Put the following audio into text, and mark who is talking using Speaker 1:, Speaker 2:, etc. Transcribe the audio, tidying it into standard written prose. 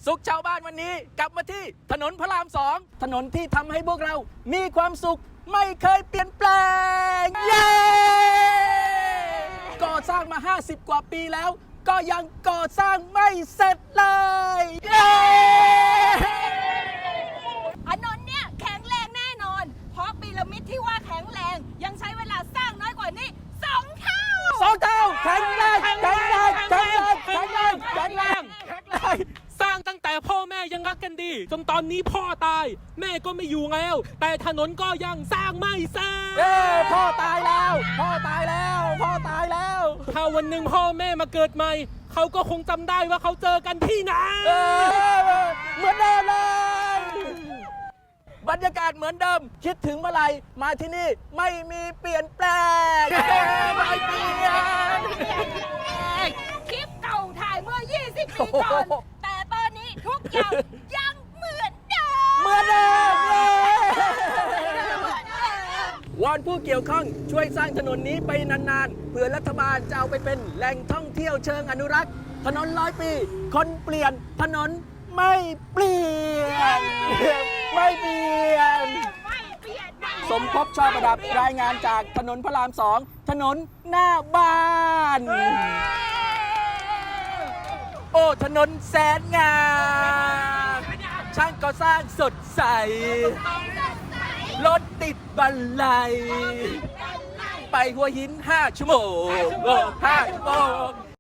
Speaker 1: สุขชาวบ้านวันนี้กลับมาที่ถนนพระราม2ถนนที่ทำให้พวกเรามีความสุขไม่เคยเปลี่ยนแปลงเย้ก่อสร้างมา50 กว่าปีแล้วก็ยังก่อสร้างไม่เสร็จเลยเย้
Speaker 2: ถนนเนี่ยแข็งแรงแน่นอนเพราะพีระมิดที่ว่าแข็งแรงยังใช้เวลาสร้างน้อยกว่านี้2 เท่า
Speaker 1: แข็งแรงแข็งแรงแข็งแรงแข็งแรงแข็งแรงแข็งแรง
Speaker 3: สร้างตั้งแต่พ่อแม่ยังรักกันดีจนตอนนี้พ่อตายแม่ก็ไม่อยู่แล้วแต่ถนนก็ยังสร้างไม่เสร็จ
Speaker 1: พ่อตายแล้วพ่อตายแล้วพ่อตายแล้ว
Speaker 3: ถ้าวันหนึ่งพ่อแม่มาเกิดใหม่เขาก็คงจำได้ว่าเขาเจอกันที่ไหน
Speaker 1: เหมือนเดิมเลยบรรยากาศเหมือนเดิมคิดถึงเมื่อไหร่มาที่นี่ไม่มีเปลี่ยนแปลงไม่เปลี่ยน
Speaker 2: คลิปเก่าถ่ายเมื่อ20 ปีก่อนแต่ตอนนี้ทุกอย่างยังเหมือนเดิม
Speaker 1: วอนผู้เกี่ยวข้องช่วยสร้างถนนนี้ไปนานๆเพื่อรัฐบาลจะเอาไปเป็นแหล่งท่องเที่ยวเชิงอนุรักษ์ถนน100 ปีคนเปลี่ยนถนนไม่เปลี่ยนไม่เปลี่ยนสมภพชอบประดับรายงานจากถนนพระราม2ถนนหน้าบ้านโอ้ถนนแสนงามช่างก่อสร้างสดใสรถติดบันไลไปหัวหิน5 ชั่วโมง5 ชั่วโมง